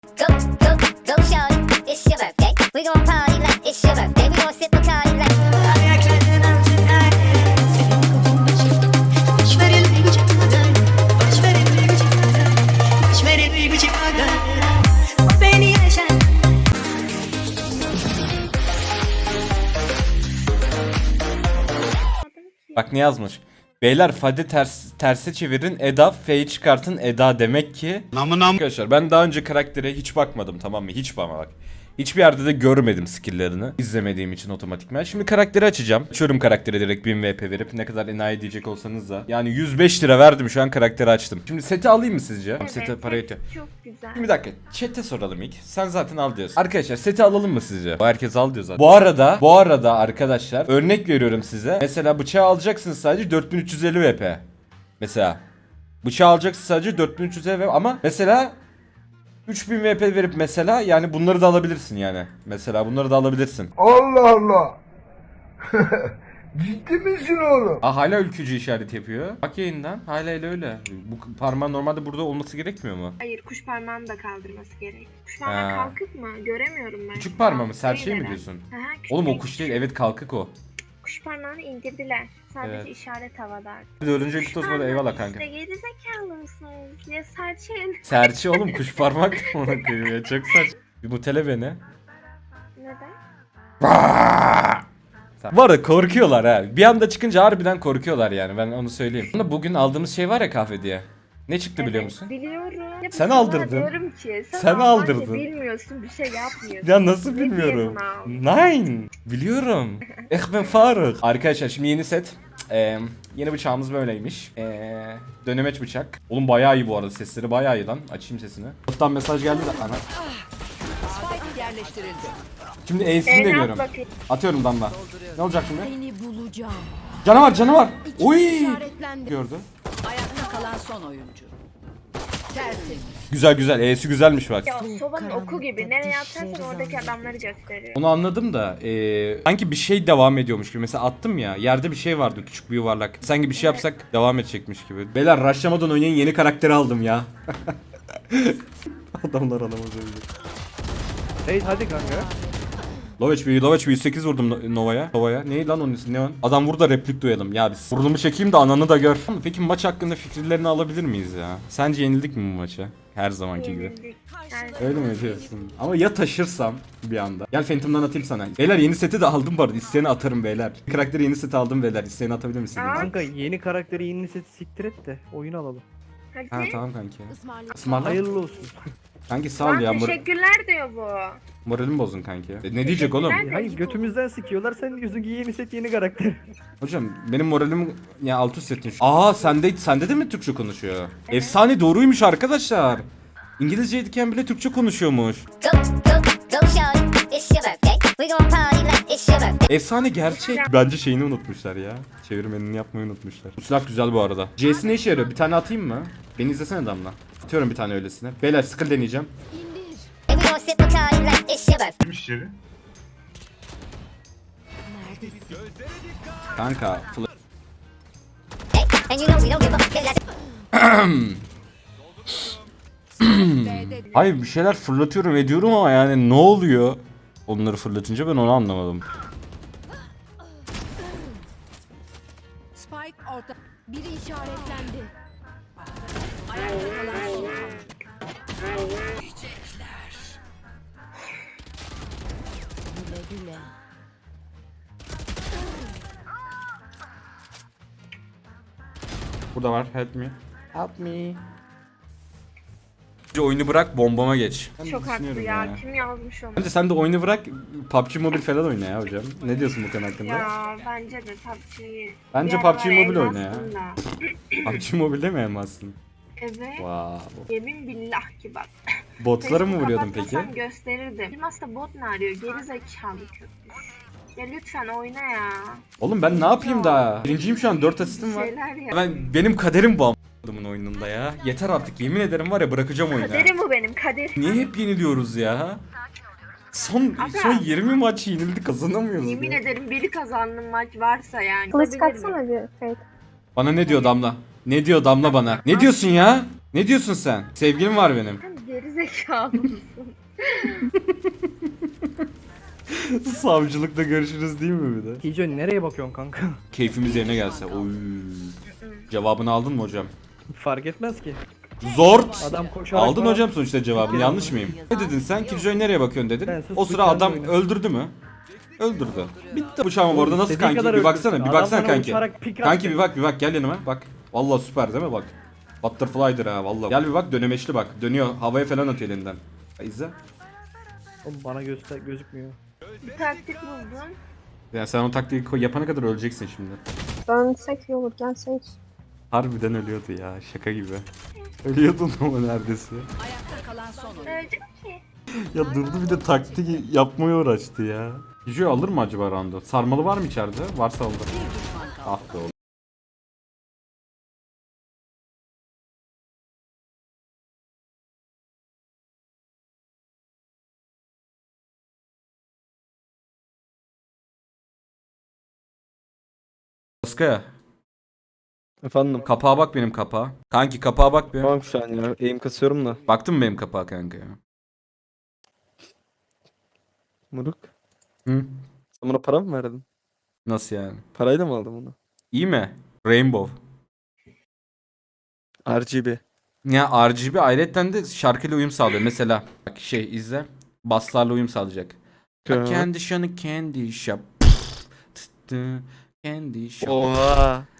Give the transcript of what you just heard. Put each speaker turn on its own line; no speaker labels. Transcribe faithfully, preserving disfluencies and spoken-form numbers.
Go, go, go, shawty, it's your birthday. We gon' party like it's your birthday. We gon' sip Bacardi like.
Bak ne yazmış. Beyler Fadi ters, terse çevirin Eda, F'yi çıkartın Eda demek ki.
Namı nam.
Arkadaşlar ben daha önce karaktere hiç bakmadım, tamam mı? Hiç bana bak. Hiçbir yerde de görmedim skill'lerini. İzlemediğim için otomatikman. Şimdi karakteri açacağım. Açıyorum karakteri direkt bin V P verip ne kadar enayi diyecek olsanız da. Yani yüz beş lira verdim, şu an karakteri açtım. Şimdi seti alayım mı sizce?
Evet,
Sete para yetiyor.
Çok güzel.
Şimdi bir dakika, chat'e soralım ilk. Sen zaten al diyorsun. Arkadaşlar seti alalım mı sizce? Bu herkes al diyor zaten. Bu arada, bu arada arkadaşlar örnek veriyorum size. Mesela bıçağı alacaksınız sadece dört bin üç yüz elli V P. Mesela bıçağı alacaksın sadece dört bin üç yüz elli V P ama mesela üç bin V P verip mesela yani bunları da alabilirsin yani. Mesela bunları da alabilirsin.
Allah Allah. Ciddi misin oğlum?
Aa, hala ülkücü işareti yapıyor. Bak yayından hala öyle öyle. Bu parmağın normalde burada olması gerekmiyor mu?
Hayır, kuş parmağını da kaldırması gerek. Kuş
Ha.
parmağı kalkık mı? Göremiyorum ben.
Küçük parmağı mı?
Serçe
Serçe mi diyorsun?
Aha, küçük
Oğlum o
değil.
kuş değil. Evet kalkık o.
Kuş parmağını indirdiler. Sadece
Evet.
işaret havada.
Dördüncü kutu olmadı, eyvallah kanka.
İşte gerizekalı mısınız? Ya serçe.
Serçe oğlum, kuş parmak ona koyuyor ya, çok saç. Bir mutele beni.
Neden?
Bu arada korkuyorlar ha. Bir anda çıkınca harbiden korkuyorlar yani, ben onu söyleyeyim. Ama bugün aldığımız şey var ya kahve diye. Ne çıktı biliyor musun?
Biliyorum. Ya
Sen
sana
aldırdın.
Diyorum ki, sen,
Sen
Almanca
aldırdın.
Bilmiyorsun, bir şey yapmıyorsun.
Ya nasıl
Ne
bilmiyorum.
diyorsun
Nein. Biliyorum. Ich bin Faruk. Arkadaşlar şimdi yeni set. Ee, yeni bıçağımız böyleymiş. Ee, dönemeç bıçak. Oğlum bayağı iyi bu arada, sesleri bayağı iyi lan. Açayım sesini. Alttan mesaj geldi de ana. Şimdi E'sini
E'ne
deniyorum.
at bakayım.
Atıyorum damla. Ne olacak şimdi?
Seni bulacağım.
Canavar canavar. Uy.
İşaretlendi.
Gördü.
Ayakta kalan son oyuncu. Tertemiz.
Güzel güzel. E'si güzelmiş bak.
Ya sobanın
karanlıkta
oku gibi. Nereye
dişleri
atarsan oradaki
zannet.
adamları gösteriyor.
Onu anladım da ee, sanki bir şey devam ediyormuş gibi. Mesela attım ya, yerde bir şey vardı, küçük bir yuvarlak. Sanki bir şey yapsak devam edecekmiş gibi. Beyler rushlamadan oynayın, yeni karakteri aldım ya. Adamlar alamaz öyle.
Hey hadi kanka.
Low H P, Low H P yüz sekiz vurdum No- Nova'ya. Nova'ya. Neydi lan onun ismi? Ne o? Adam vur da replik duyalım. Ya biz burnumu çekeyim de ananı da gör. Peki maç hakkında fikirlerini alabilir miyiz ya? Sence yenildik mi bu maçı? Her zamanki gibi.
Yenildik. Yani
Öyle mi diyorsun? Ama ya taşırsam bir anda. Gel Phantom'dan atayım sana. Beyler yeni seti de aldım bu arada. İsteyeni atarım beyler. Karakteri yeni seti aldım beyler. İsteyeni atabilir misiniz?
Aa.
Kanka yeni karakteri yeni seti siktir et de oyun alalım.
hadi.
Ha tamam kanki.
Ismarlayın.
Ismarla.
Hayırlı olsun.
Kanki sağ ol
Lan
ya. Mor
teşekkürler diyor bu.
moralim bozun kanki. E, ne diyecek oğlum?
Teşekkürler.
Hayır götümüzden sikiyorlar sen diyorsun ki yeni set yeni karakter.
Hocam benim moralim ya alt üst ettin. Aa sende sende de mi Türkçe konuşuyor? Efsane doğruymuş arkadaşlar. İngilizceyken bile Türkçe konuşuyormuş.
Go, go, go, shawty, it's your birthday. We gon' party like it's your birthday.
Efsane gerçek. Bence şeyini unutmuşlar ya. Çevirmenini yapmayı unutmuşlar. Bu silah güzel bu arada. C'si ne işe yarıyor? Bir tane atayım mı? Beni izlesene Damla. Atıyorum bir tane öylesine. Beyler skill deneyeceğim.
And we gon' sip Bacardi like it's your birthday.
Gitmiş içeri.
Kanka. fl-
Hey, and you know we don't give a fuck.
Hayır bir şeyler fırlatıyorum ediyorum ama yani ne oluyor? Onları fırlatınca ben onu anlamadım.
Spike orta. Biri işaretlendi. Ayakta kalan son oyuncu. Güle güle.
Burada var. Help me. Help me. Oyunu bırak bombama geç. Ben de
Çok haklı
düşünüyorum
ya. Kim yazmış onu?
Bence sen de oyunu bırak P U B G Mobile falan oyna ya hocam. Ne diyorsun bu konu hakkında?
Ya bence de P U B G'yi.
Bence
bir
P U B G
aralar
Mobile oyna ya.
elbastım da.
P U B G Mobile'de mi elmazsın?
Evet.
Wow.
Yemin billah ki bak.
Botlara mı
Sesini
vuruyordun peki?
kapatmasam gösterirdim. Bilmezse bot ne arıyor? Geri zekalı köpüş. Ya lütfen oyna ya.
Oğlum ben ne yapayım daha? Birinciyim şu an, dört asistim
Bir
var.
şeyler ya.
Ben benim kaderim bu adamın oyununda ya. Yeter artık, yemin ederim var ya, bırakacağım oyunu.
Kaderim bu benim kaderim.
Niye hep yeniliyoruz ya? Son
Aga.
son yirmi maç yenildi, kazanamıyoruz
Yemin
ya.
ederim biri kazandım maç varsa yani.
Kılıç
Olabilir mi?
katsana bir Fate.
Bana ne diyor Damla? Ne diyor Damla bana? Ne diyorsun ya? Ne diyorsun sen? Sevgilim var benim.
Sen geri Gerizekalı mısın?
Savcılıkta görüşürüz değil mi bir de?
Kijo nereye bakıyorsun kanka?
Keyfimiz yerine gelse. Oy. Cevabını aldın mı hocam?
Fark etmez ki.
Zort.
Adam koşarak
Aldın
falan-
hocam sonuçta cevabını. Yanlış mıyım? Ne dedin sen? Killjoy nereye bakıyorsun
Ben
dedin.
sus,
O sıra
bıçağını
adam
oyna.
öldürdü mü? Öldürdü. Bitti bıçağım bu arada nasıl
İstediği
kanki?
kadar
Bir baksana,
öldürsün.
bir
Adam
baksana
bana
kanki.
uçarak pik
Kanki
attı.
bir bak, bir bak gel yanıma. Bak. Vallahi süper değil mi bak. Butterfly'dır ha vallahi. Gel bir bak dönemeçli bak. Dönüyor. Havaya falan atıyor elinden. İzle.
Oğlum bana göster gözükmüyor.
Bir taktik buldum.
Ya sen o taktiği koy- yapana kadar öleceksin şimdi.
Dönsek iyi olur, gelsek.
Harbiden ölüyordu ya şaka gibi. Ölüyordun ama neredeyse.
Ayakta kalan son oyuncu.
Öldüm ki.
Ya durdu bir de taktik yapmaya uğraştı ya. Killjoy alır mı acaba round'u? Sarmalı var mı içeride? Varsa alır. Ah be oğlum. Baskaya.
Efendim.
Kapağa bak benim kapağa. Kanki kapağa bak bir.
Tamam şu an ya. Aim kasıyorum da.
Baktın mı benim kapağa kanka ya?
Muruk.
Hı?
Sen buna para mı verdin?
Nasıl yani?
Parayla mı aldın bunu?
İyi mi? Rainbow.
R G B.
Ya R G B ayrıca de şarkıyla uyum sağlıyor. Mesela bak şey izle. Basslarla uyum sağlayacak.
Tamam.
Candy shop, candy shop. Candy shop.
Oha.